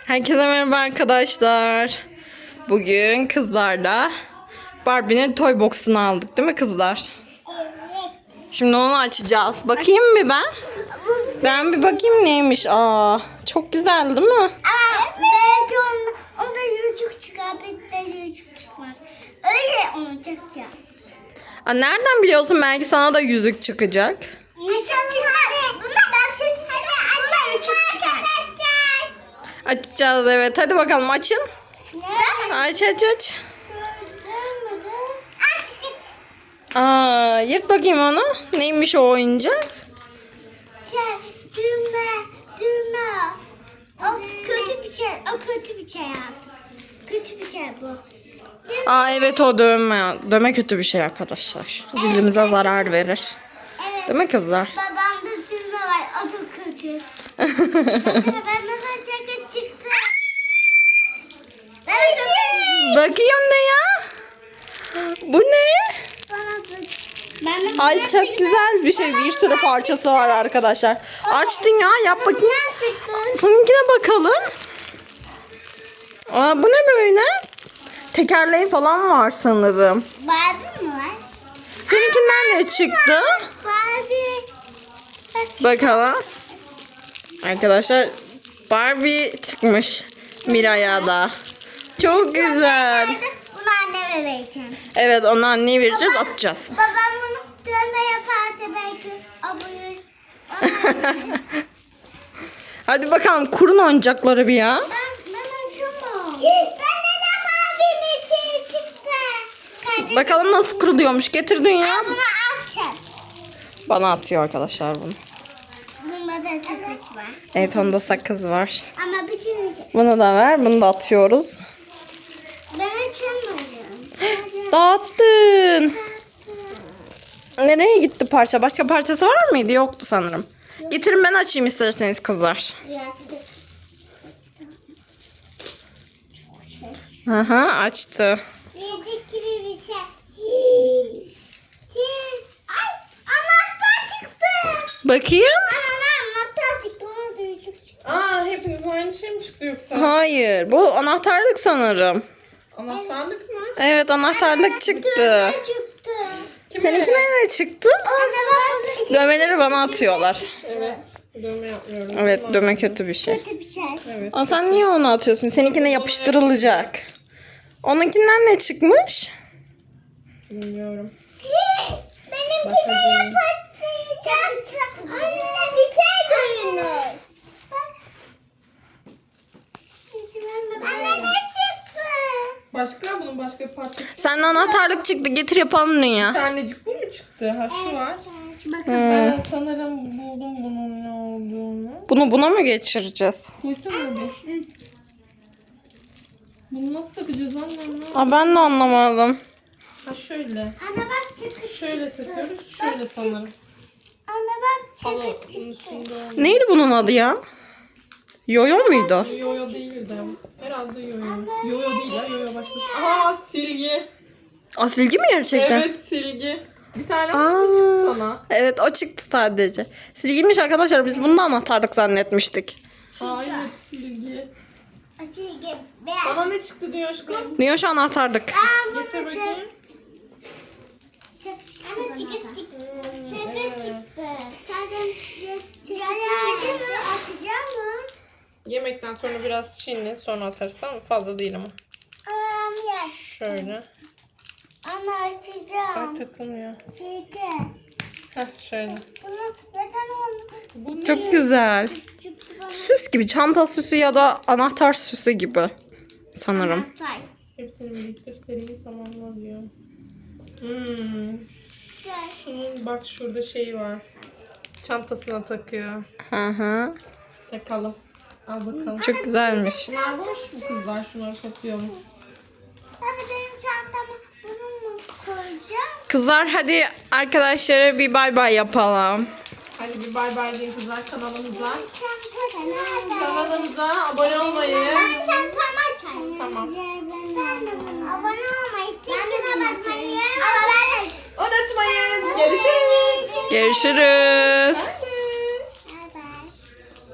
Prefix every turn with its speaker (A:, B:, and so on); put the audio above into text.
A: Herkese merhaba arkadaşlar. Bugün kızlarla Barbie'nin toy box'unu aldık değil mi kızlar?
B: Evet.
A: Şimdi onu açacağız. Bakayım bir ben. Ben bir bakayım neymiş. Aa, çok güzel değil mi?
B: Ama belki onda yüzük çıkar, bir de yüzük çıkmaz. Öyle olacak ya.
A: Aa, nereden biliyorsun? Belki sana da yüzük çıkacak.
B: Yüzük çıkar. Buna ben sesi çıkar. Ama yüzük çıkar.
A: Açacağız evet. Hadi bakalım açın.
B: Ne?
A: Aç.
B: Aç git.
A: Aa, yırt bakayım onu. Neymiş o oyuncak?
B: Düğme. O kötü bir şey. O kötü bir şey artık. Kötü bir şey bu.
A: Aa evet o dövme. Dövme kötü bir şey arkadaşlar. Cildimize zarar verir.
B: Evet.
A: Değil mi kızlar?
B: Babamda düğme var. O çok kötü. Ben nasıl çakı çıktı?
A: Bakayım ne ya? Bu ne? Ay çok güzel bir şey. Bir sürü parçası var arkadaşlar. Açtın ya yap bakayım. Seninkine bakalım. Aa, bu ne böyle? Tekerleği falan var sanırım.
B: Barbie mi var?
A: Seninkinden ne çıktı?
B: Barbie.
A: Bakalım. Arkadaşlar Barbie çıkmış Miray'a da. Çok güzel.
B: Bunu anneme vereceğim.
A: Evet onu anneye vereceğiz atacağız.
B: Babam bunu dövme yaparsa belki abone.
A: Hadi bakalım kurun oyuncakları bir ya.
B: Ben açamam. Bende de Barbie'nin içi çıktı. Kardeşim,
A: Bakalım nasıl kuruluyormuş. Getirdin ya.
B: bunu açacağım.
A: Bana atıyor arkadaşlar bunu.
B: Bunda da sakız var.
A: Evet onda sakız var.
B: Ama bütün içi.
A: Bunu da ver. Bunu da atıyoruz.
B: Ben açamıyorum.
A: Dağıttın. Nereye gitti parça? Başka parçası var mıydı? Yoktu sanırım. Getirin ben açayım isterseniz kızlar. Aha açtı.
B: Yedik gibi bir şey. Ay, anahtar çıktı.
A: Bakayım.
B: Anahtar çıktı. Ona da yüzük çıktı.
C: Aa, hepiniz aynı şey mi çıktı yoksa?
A: Hayır. Bu anahtarlık sanırım.
C: Anahtarlık mı?
A: Evet anahtarlık çıktı.
B: Dövme çıktı.
A: Seninkine ne çıktı?
B: Anne bak.
A: Dövmeleri bana atıyorlar.
C: Evet. Dövme yapmıyorum.
A: Evet dövme kötü bir şey.
B: Kötü bir şey.
C: Evet.
A: Aa, sen niye onu atıyorsun? Seninkine yapıştırılacak. Onunkinden ne çıkmış?
C: Bilmiyorum.
B: Benimki de yapıştıracak. Anne bir şey görünür. Anne ne çıktı?
C: Başka? Bunun başka bir parçası.
A: Senden anahtarlık çıktı. Getir yapalım dünya.
C: Bir tanecik bu mu çıktı? Ha şu var.
B: Bakın.
C: Ben sanırım buldum bunun ne olduğunu.
A: Bunu buna mı geçireceğiz?
C: Koysana bir. Bunu nasıl takacağız annem?
A: Aa, ben de anlamadım.
C: Ha şöyle.
B: Anne bak çıktı.
C: Şöyle takıyoruz. Şöyle sanırım.
B: Anne bak
C: Ama
B: çıktı.
C: bunun üstünde olmuyor.
A: Neydi bunun adı ya? Yoyo muydu?
C: Yoyo değildi. Herhalde yoyo. Yoyo değil ya. Yoyo başka. Aa silgi.
A: O silgi mi gerçekten?
C: Evet silgi. Bir tane
A: Aa.
C: mı çıktı sana?
A: Evet o çıktı sadece. Silgiymiş arkadaşlar. Biz bunu da anahtarlık zannetmiştik.
C: Hayır silgi.
B: Açık.
C: Bana ne çıktı diyor aşkım?
A: Niye şu anahtarlık?
C: Getir bakayım.
B: Anne çıktı. Çıktı çıktı. Açacağım mı?
C: Yemekten sonra biraz çiğne sonra atarız tamam mı? Fazla değil ama.
B: Yes.
C: Şöyle.
B: Anne
C: Ay
B: açacağım.
C: takılmıyor.
B: Çıktı.
C: Heh şöyle.
B: Bunu neden oldu?
C: Bu ne?
A: Çok güzel.
B: Çıktı bana.
A: Süs gibi. Çanta süsü ya da anahtar süsü gibi. Sanırım.
B: Say.
C: Hepsini birlikte seriyi tamamla diyor. Şunun bak şurada şeyi var. Çantasına takıyor.
A: Hı hı.
C: Takalım. Al bakalım.
A: Çok güzelmiş.
C: Şunlar boş mu kızlar? Şunları satıyor mu?
B: Hadi benim çantama bunu mu koyacağım?
A: Kızlar hadi arkadaşlara bir bay bay yapalım.
C: Hadi bir bay bay deyin kızlar kanalımıza.
B: Çantası nerede?
C: Kanalımıza abone olmayı.
B: Çantama açayım.
C: Tamam.
B: Abone olmayı, tıkına basmayı. Ama ben de
C: Unutmayın. Görüşürüz.
A: Görüşürüz.